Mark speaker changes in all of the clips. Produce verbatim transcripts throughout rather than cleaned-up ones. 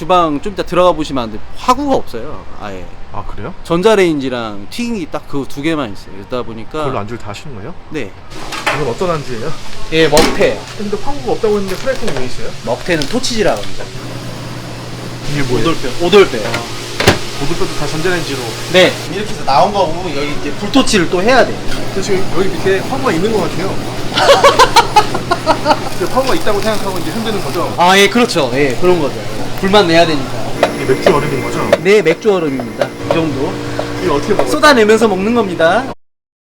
Speaker 1: 주방 좀 이따 들어가 보시면 안 돼. 화구가 없어요. 아예.
Speaker 2: 아 그래요?
Speaker 1: 전자레인지랑 튀김기 딱 그 두 개만 있어요. 그러다 보니까.
Speaker 2: 그걸로 안주를 다 하시는 거예요?
Speaker 1: 네.
Speaker 2: 이건 어떤 안주예요?
Speaker 1: 예, 먹태.
Speaker 2: 근데 화구가 없다고 했는데 프라이팬이 왜 있어요?
Speaker 1: 먹태는 토치지라고 합니다.
Speaker 2: 이게 뭐예요?
Speaker 1: 오돌뼈. 오돌뼈.
Speaker 2: 고등뼈도 다 전자레인지로.
Speaker 1: 네. 이렇게 해서 나온 거고 여기 이제 불토치를 또 해야 돼.
Speaker 2: 근데 지금 여기 밑에 화구가 있는 것 같아요. 근데 화구가 있다고 생각하고 이제 흔드는 거죠?
Speaker 1: 아, 예, 그렇죠. 예, 그런 거죠. 불만 내야 되니까.
Speaker 2: 이게 맥주 얼음인 거죠?
Speaker 1: 네, 맥주 얼음입니다. 이 정도.
Speaker 2: 이게 어떻게 먹어요?
Speaker 1: 쏟아내면서 먹는 겁니다.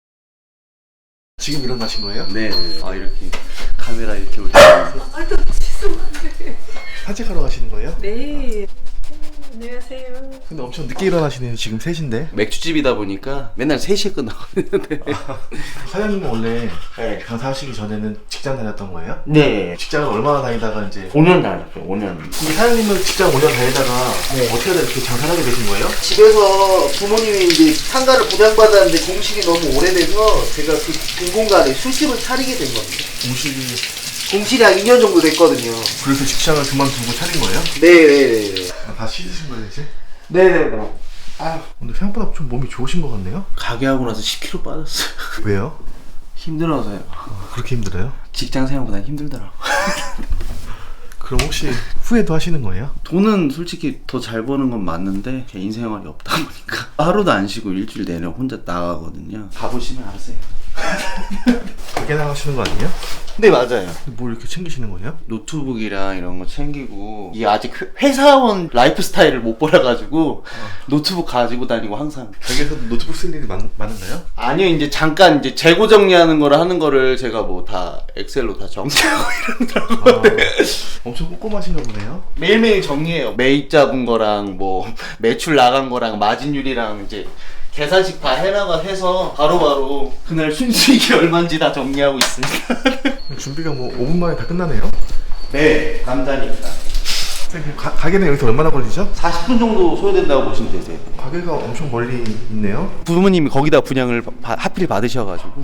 Speaker 2: 지금 일어나신 거예요?
Speaker 3: 네. 아 이렇게 카메라 이렇게 올리면서
Speaker 4: 아, 또 죄송한데.
Speaker 2: 산책하러 가시는 거예요?
Speaker 4: 네. 안녕하세요.
Speaker 2: 근데 엄청 늦게 일어나시네요. 지금 세 시인데.
Speaker 1: 맥주집이다 보니까 맨날 세 시에 끝나거든요.
Speaker 2: 사장님은 원래
Speaker 1: 네.
Speaker 2: 강사하시기 전에는 직장 다녔던 거예요?
Speaker 1: 네.
Speaker 2: 직장을 얼마나 다니다가 이제
Speaker 1: 오 년 다녔죠, 오 년.
Speaker 2: 근데 사장님은 직장 오 년 다니다가
Speaker 1: 네.
Speaker 2: 어떻게 하다 이렇게 장사를 하게 되신 거예요?
Speaker 1: 집에서 부모님이 이제 상가를 부양받았는데 공식이 너무 오래돼서 제가 그 공간에 술집을 차리게 된 겁니다.
Speaker 2: 공식이
Speaker 1: 공실이 한 이 년 정도 됐거든요.
Speaker 2: 그래서 직장을 그만두고 차린 거예요?
Speaker 1: 네네네.
Speaker 2: 아, 다 씻으신 거예요 이제?
Speaker 1: 네네네. 아유.
Speaker 2: 근데 생각보다 좀 몸이 좋으신 것 같네요?
Speaker 1: 가게 하고 나서 십 킬로그램 빠졌어요.
Speaker 2: 왜요?
Speaker 1: 힘들어서요.
Speaker 2: 아, 그렇게 힘들어요?
Speaker 1: 직장 생활보다 힘들더라고.
Speaker 2: 그럼 혹시 후회도 하시는 거예요?
Speaker 1: 돈은 솔직히 더 잘 버는 건 맞는데 개인 생활이 없다 보니까 하루도 안 쉬고 일주일 내내 혼자 나가거든요. 가보시면 아세요.
Speaker 2: 가게 나가시는 거 아니에요?
Speaker 1: 네, 맞아요.
Speaker 2: 뭘 이렇게 챙기시는 거예요?
Speaker 1: 노트북이랑 이런 거 챙기고 이게 아직 회사원 라이프 스타일을 못 버려가지고 노트북 가지고 다니고 항상.
Speaker 2: 가게에서 노트북 쓸 일이 많, 많은가요?
Speaker 1: 아니요, 이제 잠깐 이제 재고 정리하는 거를 하는 거를 제가 뭐 다 엑셀로 다 정리하고 이러더라고요.
Speaker 2: 아, 엄청 꼼꼼하신가 보네요?
Speaker 1: 매일매일 정리해요. 매입 잡은 거랑 뭐 매출 나간 거랑 마진율이랑 이제 계산식 다 해나가 해서 바로바로 그날 순수익이 얼마인지 다 정리하고 있습니다.
Speaker 2: 준비가 뭐 오 분 만에 다 끝나네요?
Speaker 1: 네, 감사합니다.
Speaker 2: 선생님 가, 가게는 여기서 얼마나 걸리죠?
Speaker 1: 사십 분 정도 소요된다고 보시면 되세요.
Speaker 2: 가게가 엄청 멀리 있네요?
Speaker 1: 부모님이 거기다 분양을 바, 하필 받으셔가지고.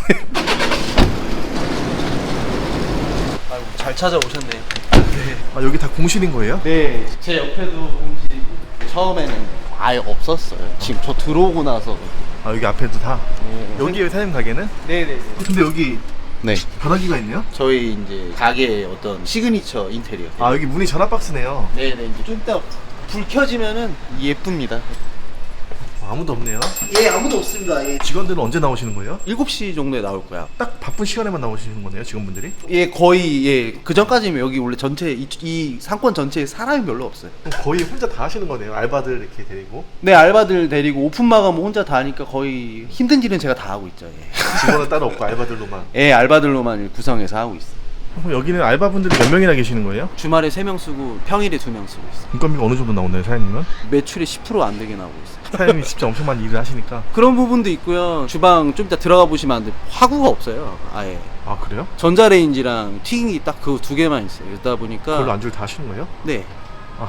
Speaker 1: 아이고, 잘 찾아오셨네.
Speaker 2: 네. 아 여기 다 공실인 거예요?
Speaker 1: 네, 제 옆에도 공실이고 처음에는 아예 없었어요. 지금 저 들어오고 나서.
Speaker 2: 아 여기 앞에도 다?
Speaker 1: 네.
Speaker 2: 여기 사장님 가게는?
Speaker 1: 네네네.
Speaker 2: 근데 여기
Speaker 1: 네.
Speaker 2: 전화기가 있네요?
Speaker 1: 저희 이제 가게의 어떤 시그니처 인테리어.
Speaker 2: 아 여기 문이 전화 박스네요.
Speaker 1: 네네. 이제 좀 이따 불 켜지면은 예쁩니다.
Speaker 2: 아무도 없네요.
Speaker 1: 예, 아무도 없습니다. 예.
Speaker 2: 직원들은 언제 나오시는 거예요?
Speaker 1: 일곱 시 정도에 나올 거야.
Speaker 2: 딱 바쁜 시간에만 나오시는 거네요, 직원분들이?
Speaker 1: 예, 거의 예. 그 전까지면 여기 원래 전체 이, 이 상권 전체에 사람이 별로 없어요.
Speaker 2: 그럼 거의 혼자 다 하시는 거네요, 알바들 이렇게 데리고.
Speaker 1: 네, 알바들 데리고 오픈 마감 혼자 다 하니까 거의 힘든 일은 제가 다 하고 있죠. 예.
Speaker 2: 직원은 따로 없고 알바들로만.
Speaker 1: 예, 알바들로만 구성해서 하고 있어요.
Speaker 2: 그럼 여기는 알바분들이 몇 명이나 계시는 거예요?
Speaker 1: 주말에 세 명 쓰고 평일에 두 명 쓰고 있어요.
Speaker 2: 인건비가 어느 정도 나오나요, 사장님은?
Speaker 1: 매출의 십 퍼센트 안 되게 나오고 있어요.
Speaker 2: 사장님이 진짜 엄청 많이 일을 하시니까.
Speaker 1: 그런 부분도 있고요. 주방 좀 이따 들어가 보시면 안 돼. 화구가 없어요. 아예.
Speaker 2: 아 그래요?
Speaker 1: 전자레인지랑 튀김기 딱 그 두 개만 있어요. 그러다 보니까.
Speaker 2: 그걸로 안주를 다 하시는 거예요?
Speaker 1: 네.
Speaker 2: 아.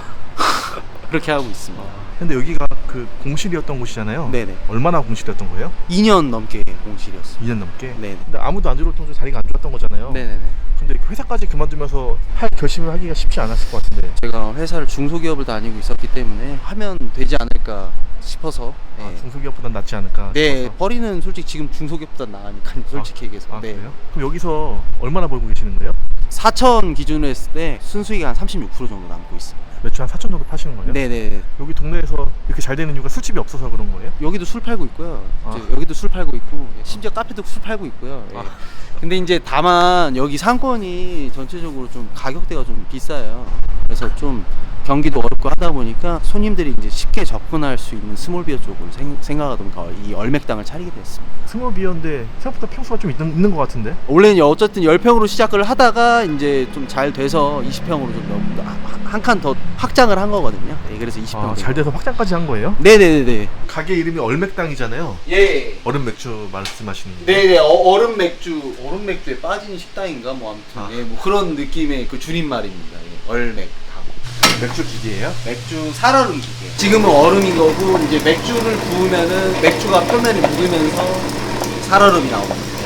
Speaker 1: 그렇게 하고 있습니다.
Speaker 2: 근데 여기가 그 공실이었던 곳이잖아요.
Speaker 1: 네네.
Speaker 2: 얼마나 공실이었던 거예요?
Speaker 1: 이 년 넘게 공실이었어요.
Speaker 2: 이 년 넘게?
Speaker 1: 네네.
Speaker 2: 근데 아무도 안 들어올 정도로 자리가 안 좋았던 거잖아요.
Speaker 1: 네네네.
Speaker 2: 근데 회사까지 그만두면서 할 결심을 하기가 쉽지 않았을 것 같은데.
Speaker 1: 제가 회사를 중소기업을 다니고 있었기 때문에 하면 되지 않을까 싶어서. 네.
Speaker 2: 아, 중소기업보단 낫지 않을까
Speaker 1: 네,
Speaker 2: 싶어서.
Speaker 1: 벌이는 솔직히 지금 중소기업보다 나으니까 솔직히 얘기해서.
Speaker 2: 아
Speaker 1: 네.
Speaker 2: 그래요? 그럼 여기서 얼마나 벌고 계시는 거예요?
Speaker 1: 사천 기준으로 했을 때 순수익이 한 삼십육 퍼센트 정도 남고 있습니다.
Speaker 2: 매출 한 사천 정도 파시는 거예요?
Speaker 1: 네네.
Speaker 2: 여기 동네에서 이렇게 잘 되는 이유가 술집이 없어서 그런 거예요?
Speaker 1: 여기도 술 팔고 있고요.
Speaker 2: 아.
Speaker 1: 이제 여기도 술 팔고 있고 심지어 카페도 술 팔고 있고요. 예.
Speaker 2: 아.
Speaker 1: 근데 이제 다만 여기 상권이 전체적으로 좀 가격대가 좀 비싸요. 그래서 좀 경기도 어렵고 하다 보니까 손님들이 이제 쉽게 접근할 수 있는 스몰비어 쪽으로 생, 생각하다 보니까 이 얼맥당을 차리게 됐습니다.
Speaker 2: 스몰 비어인데 생각보다 평수가 좀 있는, 있는 것 같은데?
Speaker 1: 원래는 어쨌든 십 평으로 시작을 하다가 이제 좀 잘 돼서 이십 평으로 좀 한 칸 더 확장을 한 거거든요. 네, 그래서 이십 평.
Speaker 2: 아, 잘 돼서 확장까지 한 거예요?
Speaker 1: 네네네네.
Speaker 2: 가게 이름이 얼맥당이잖아요.
Speaker 1: 예.
Speaker 2: 얼음 맥주 말씀하시는 거.
Speaker 1: 네네. 어, 얼음 맥주, 얼음 맥주에 빠진 식당인가 뭐 아무튼
Speaker 2: 아.
Speaker 1: 예, 뭐 그런 느낌의 그 줄임말입니다. 예, 얼맥당.
Speaker 2: 맥주 기계예요?
Speaker 1: 맥주 살얼음 기계. 지금은 얼음인 거고 이제 맥주를 부으면은 맥주가 표면에 묻으면서 살얼음이 나옵니다.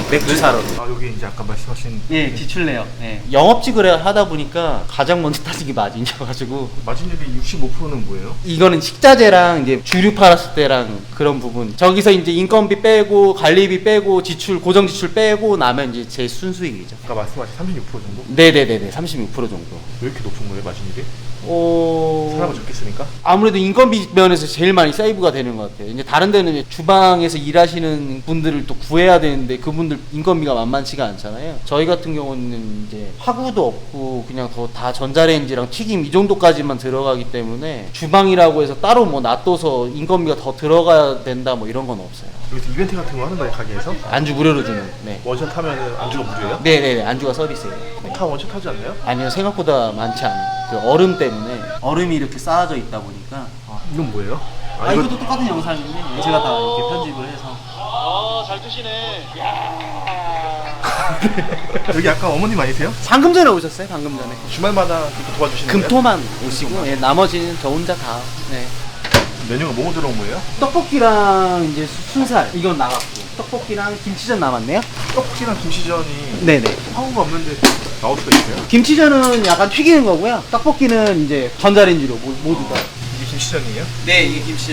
Speaker 1: 맥주 사러.
Speaker 2: 아 여기 이제 아까 말씀하신
Speaker 1: 예, 지출내요. 예. 영업직을 하다 보니까 가장 먼저 따진 게 마진이어가지고
Speaker 2: 마진율이 육십오 퍼센트는 뭐예요?
Speaker 1: 이거는 식자재랑 이제 주류 팔았을 때랑 그런 부분. 저기서 이제 인건비 빼고 관리비 빼고 지출 고정 지출 빼고 나면 이제 제 순수익이죠.
Speaker 2: 아까 말씀하신 삼십육 퍼센트 정도?
Speaker 1: 네네네네, 삼십육 퍼센트 정도.
Speaker 2: 왜 이렇게 높은 거예요 마진율이?
Speaker 1: 어...
Speaker 2: 사람을 적게 쓰니까?
Speaker 1: 아무래도 인건비 면에서 제일 많이 세이브가 되는 것 같아요. 이제 다른 데는 이제 주방에서 일하시는 분들을 또 구해야 되는데 그분들 인건비가 만만치가 않잖아요. 저희 같은 경우는 이제 화구도 없고 그냥 더 다 전자레인지랑 튀김 이 정도까지만 들어가기 때문에 주방이라고 해서 따로 뭐 놔둬서 인건비가 더 들어가야 된다 뭐 이런 건 없어요.
Speaker 2: 여기서 이벤트 같은 거 하는 거예요 가게에서?
Speaker 1: 안주 무료로 주는. 네.
Speaker 2: 원샷 하면은 안주가 무료예요?
Speaker 1: 네네네, 안주가 서비스예요. 네.
Speaker 2: 다 원샷 하지 않나요?
Speaker 1: 아니요, 생각보다 많지 않아요. 그 얼음 때문에 얼음이 이렇게 쌓아져 있다 보니까.
Speaker 2: 아 이건 뭐예요?
Speaker 1: 아, 이것도 똑같은 영상인데 제가 다 이렇게 편집을 해서.
Speaker 2: 여기 아까 어머님 아니세요?
Speaker 1: 방금 전에 오셨어요? 방금 전에.
Speaker 2: 주말마다 이렇게 도와주시는 거예요?
Speaker 1: 금토만 오시고, 예, 나머지는 저 혼자 다. 네.
Speaker 2: 메뉴가 뭐뭐 들어온 거예요?
Speaker 1: 떡볶이랑 이제 수- 순살 이건 나갔고, 떡볶이랑 김치전 남았네요.
Speaker 2: 떡볶이랑 김치전이
Speaker 1: 네네.
Speaker 2: 화구가 없는데 나올 수가 있어요?
Speaker 1: 김치전은 약간 튀기는 거고요. 떡볶이는 이제 전자레인지로 모- 모두 다.
Speaker 2: 이게 김치전이에요?
Speaker 1: 네, 이게 김치전.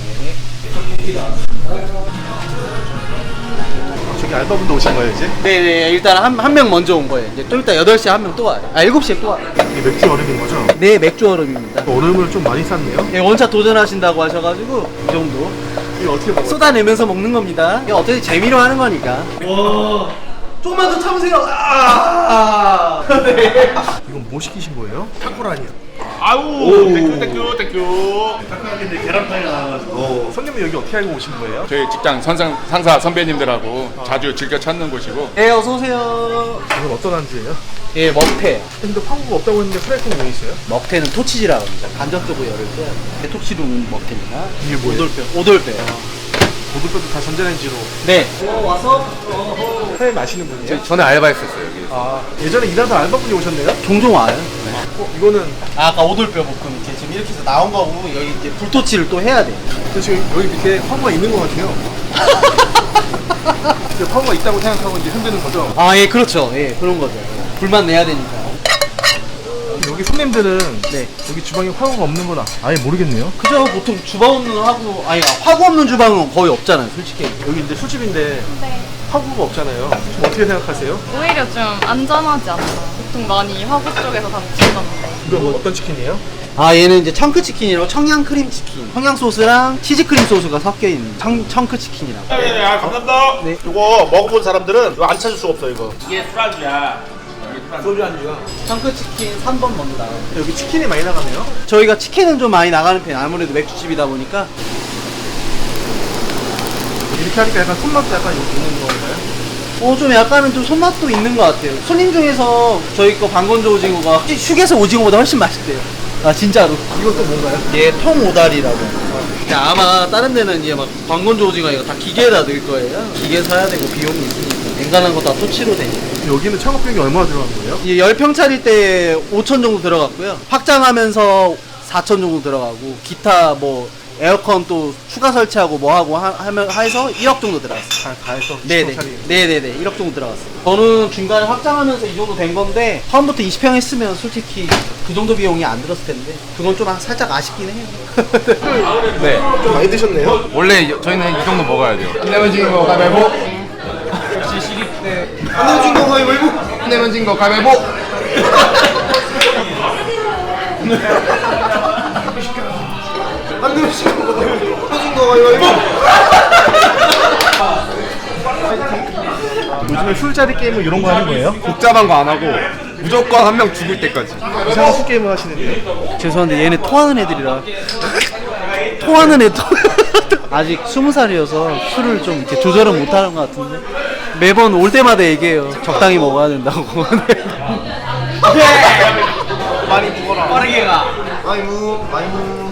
Speaker 2: 저기 알바분도 오신 거예요 이제?
Speaker 1: 네네, 일단 한 한 명 먼저 온 거예요. 이제 좀 이따 여덟 시에 한 명 또 와요. 아, 일곱 시에 또 와요.
Speaker 2: 이게 맥주 얼음인 거죠?
Speaker 1: 네, 맥주 얼음입니다.
Speaker 2: 얼음을 좀 많이 쌌네요?
Speaker 1: 예, 원차 도전하신다고 하셔가지고 이 정도
Speaker 2: 이거 어떻게 먹어요?
Speaker 1: 쏟아내면서 먹는 겁니다. 이게 어떻게 재미로 하는 거니까. 와, 조금만 더 참으세요. 아, 네.
Speaker 2: 이건 뭐 시키신 거예요? 타코라니요.
Speaker 5: 아우 땡큐 땡큐 땡큐.
Speaker 2: 타코라니인데 계란탕이 나와가지고 손님은 여기 어떻게 알고 오신 거예요?
Speaker 5: 저희 직장 선상, 상사 선배님들하고 자주 즐겨 찾는 곳이고
Speaker 1: 네, 어서 오세요.
Speaker 2: 이건 어떤 안주예요?
Speaker 1: 예, 먹태.
Speaker 2: 근데 화구가 없다고 했는데 프라이팬이 왜 있어요?
Speaker 1: 먹태는 토치지라고 합니다. 간접적으로 열을 때 대토치로 는 먹태입니다.
Speaker 2: 이게 뭐예요?
Speaker 1: 오돌뼈. 오돌뼈.
Speaker 2: 모두뼈도 다 전자레인지로
Speaker 1: 네. 어, 와서 어,
Speaker 2: 사장님 아시는 분이에요?
Speaker 5: 전에 알바했었어요 여기.
Speaker 2: 아 예전에 일하던 알바분이 오셨네요?
Speaker 1: 종종 와요.
Speaker 2: 어, 이거는
Speaker 1: 아, 아까 오돌뼈 볶음 이렇게 지금 이렇게 해서 나온 거고 여기 이제 불토치를 또 해야 돼.
Speaker 2: 저 지금 여기 밑에 화구가 있는 것 같아요. 이제 화구가 있다고 생각하고 이제 흔드는 거죠?
Speaker 1: 아, 예, 그렇죠. 예, 그런 거죠. 불만 내야 되니까.
Speaker 2: 여기 손님들은
Speaker 1: 네.
Speaker 2: 여기 주방에 화구가 없는 건 아예 모르겠네요.
Speaker 1: 그죠? 보통 주방 없는 화구, 아니, 화구 없는 주방은 거의 없잖아요, 솔직히.
Speaker 2: 여기 근데 술집인데
Speaker 6: 네.
Speaker 2: 화구가 없잖아요. 좀 어떻게 생각하세요?
Speaker 6: 오히려 좀 안전하지 않나. 보통 많이 화구 쪽에서 다 드시던데.
Speaker 2: 이거 뭐 어떤 치킨이에요?
Speaker 1: 아, 얘는 이제 청크 치킨이라고 청양 크림 치킨. 청양 소스랑 치즈 크림 소스가 섞여 있는 청, 청크 치킨이라고.
Speaker 7: 네, 아, 감사합니다.
Speaker 1: 네.
Speaker 7: 이거 먹어본 사람들은 이거 안 찾을 수가 없어 이거.
Speaker 2: 소주 안주야.
Speaker 1: 청크 치킨 삼 번 먼저 나가요.
Speaker 2: 여기 치킨이 많이 나가네요.
Speaker 1: 저희가 치킨은 좀 많이 나가는 편. 아무래도 맥주집이다 보니까.
Speaker 2: 이렇게 하니까 약간 손맛도 약간 있는 건가요?
Speaker 1: 어, 좀 약간은 좀 손맛도 있는 것 같아요. 손님 중에서 저희 거 방건조 오징어가 휴게소 오징어보다 훨씬 맛있대요. 아, 진짜로.
Speaker 2: 이건 또 뭔가요?
Speaker 1: 얘 통오다리라고. 근데 아마 다른 데는 이제 막 방건조 오징어 이거 다 기계에다 넣을 거예요. 기계 사야 되고 비용이 있으니까. 앵간한 거 다 토치로 되니까.
Speaker 2: 여기는 창업비용이 얼마나 들어간 거예요?
Speaker 1: 이게 열 평짜리 때 오천 정도 들어갔고요. 확장하면서 사천 정도 들어가고, 기타 뭐 에어컨 또 추가 설치하고 뭐 하고 하, 하면 해서 일억 정도 들어갔어요.
Speaker 2: 다, 다 해서
Speaker 1: 네네.
Speaker 2: 이십 평짜리.
Speaker 1: 네네네. 일억 정도 들어갔어요. 저는 중간에 확장하면서 이 정도 된 건데, 처음부터 이십 평 했으면 솔직히 그 정도 비용이 안 들었을 텐데, 그건 좀 살짝 아쉽긴 해요.
Speaker 5: 네.
Speaker 2: 좀 많이 드셨네요?
Speaker 5: 원래 이- 저희는 이 정도 먹어야 돼요. 안 내면 진 거 가위바위보.
Speaker 2: 안 내면 거 가위바위보.
Speaker 5: 안 내면 진 거 가위바위보.
Speaker 2: 안 내면 거 가위바위보. 요즘에 술자리 게임을 이런 거 하는 거예요?
Speaker 5: 복잡한 거 안 하고 무조건 한 명 죽을 때까지.
Speaker 2: 이상한 술 게임을 하시는데
Speaker 1: 죄송한데 얘네 토하는 애들이라. 토하는 애도 아직 스무 살이어서 술을 좀 이렇게 조절은 못하는 것 같은데 매번 올 때마다 얘기해요. 적당히 먹어야 된다고.
Speaker 2: 많이 먹어라.
Speaker 1: 빠르게 가.
Speaker 2: 많이 무 많이 무.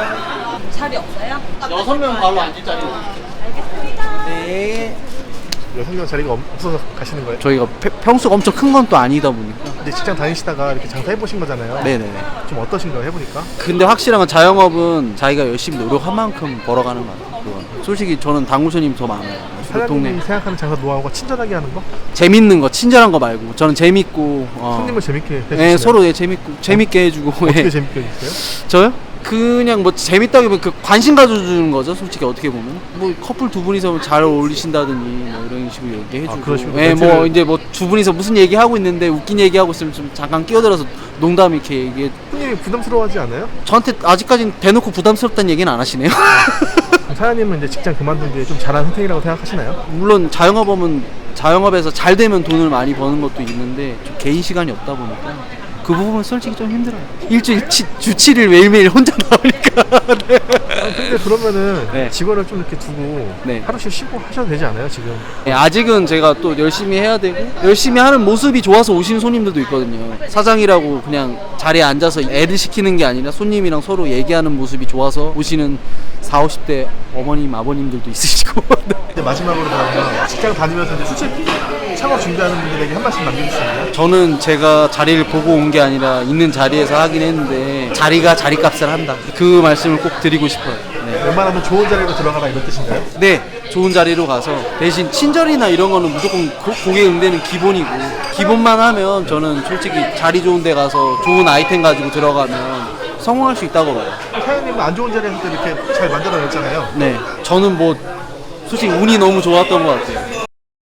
Speaker 6: 자리 없어요?
Speaker 1: 여섯 명 바로 앉을 자리.
Speaker 6: 알겠습니다.
Speaker 1: 네.
Speaker 2: 여성용 자리가 없- 없어서 가시는 거예요?
Speaker 1: 저희가 페- 평수가 엄청 큰 건 또 아니다 보니까.
Speaker 2: 근데 직장 다니시다가 이렇게 장사 해보신 거잖아요.
Speaker 1: 네네네.
Speaker 2: 좀 어떠신가요? 해보니까?
Speaker 1: 근데 확실한 건 자영업은 자기가 열심히 노력한 만큼 벌어가는 것 같아요. 그건. 솔직히 저는 당구 손님이 더 많아요. 그
Speaker 2: 사장님이
Speaker 1: 동네
Speaker 2: 생각하는 장사 노하우가 친절하게 하는 거?
Speaker 1: 재밌는 거, 친절한 거 말고 저는 재밌고 어.
Speaker 2: 손님을 재밌게 해주시나요?
Speaker 1: 예, 서로 예, 재밌고 재밌게 해주고.
Speaker 2: 어떻게
Speaker 1: 예.
Speaker 2: 재밌게 해주세요?
Speaker 1: 저요? 그냥 뭐 재밌다기보다 그 관심 가져주는 거죠. 솔직히 어떻게 보면 뭐 커플 두 분이서 잘 어울리신다든지 뭐 이런 식으로 얘기해주고.
Speaker 2: 아, 그런 식으로
Speaker 1: 예, 뭐
Speaker 2: 멘트를-
Speaker 1: 이제 뭐 두 분이서 무슨 얘기 하고 있는데 웃긴 얘기 하고 있으면 좀 잠깐 끼어들어서 농담 이렇게 얘기해.
Speaker 2: 손님이 부담스러워하지 않아요?
Speaker 1: 저한테 아직까지는 대놓고 부담스럽다는 얘기는 안 하시네요.
Speaker 2: 그럼 사장님은 이제 직장 그만둔 게 좀 잘한 선택이라고 생각하시나요?
Speaker 1: 물론 자영업하면 자영업에서 잘 되면 돈을 많이 버는 것도 있는데 좀 개인 시간이 없다 보니까 그 부분은 솔직히 좀 힘들어요. 일주일 치, 주 칠 일 매일매일 혼자 나오니까. 네.
Speaker 2: 아, 근데 그러면은
Speaker 1: 네.
Speaker 2: 직원을 좀 이렇게 두고
Speaker 1: 네.
Speaker 2: 하루씩 쉬고 하셔도 되지 않아요 지금?
Speaker 1: 네, 아직은 제가 또 열심히 해야 되고 열심히 하는 모습이 좋아서 오시는 손님들도 있거든요. 사장이라고 그냥 자리에 앉아서 애를 시키는 게 아니라 손님이랑 서로 얘기하는 모습이 좋아서 오시는 사오십 대 어머님 아버님들도 있으시고. 네.
Speaker 2: 이제 마지막으로 그러면 직장 다니면서 이제 수직 창업 준비하는 분들에게 한 말씀 남겨주시면.
Speaker 1: 저는 제가 자리를 보고 온 게 아니라 있는 자리에서 하긴 했는데 자리가 자리값을 한다. 그 말씀을 꼭 드리고 싶어요. 네.
Speaker 2: 웬만하면 좋은 자리로 들어가라 이런 뜻인가요?
Speaker 1: 네, 좋은 자리로 가서 대신 친절이나 이런 거는 무조건 고, 고객 응대는 기본이고 기본만 하면 저는 솔직히 자리 좋은 데 가서 좋은 아이템 가지고 들어가면 성공할 수 있다고 봐요.
Speaker 2: 사장님은 안 좋은 자리에서 또 이렇게 잘 만들어냈잖아요.
Speaker 1: 네, 저는 뭐 솔직히 운이 너무 좋았던 것 같아요.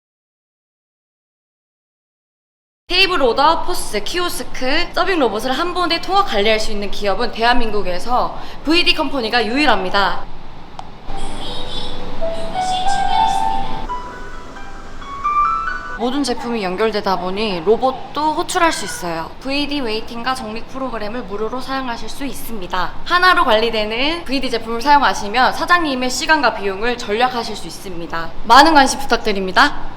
Speaker 6: 테이블 오더, 포스, 키오스크, 서빙 로봇을 한 번에 통합 관리할 수 있는 기업은 대한민국에서 브이디 컴퍼니가 유일합니다. 모든 제품이 연결되다 보니 로봇도 호출할 수 있어요. 브이디 웨이팅과 적립 프로그램을 무료로 사용하실 수 있습니다. 하나로 관리되는 브이디 제품을 사용하시면 사장님의 시간과 비용을 절약하실 수 있습니다. 많은 관심 부탁드립니다.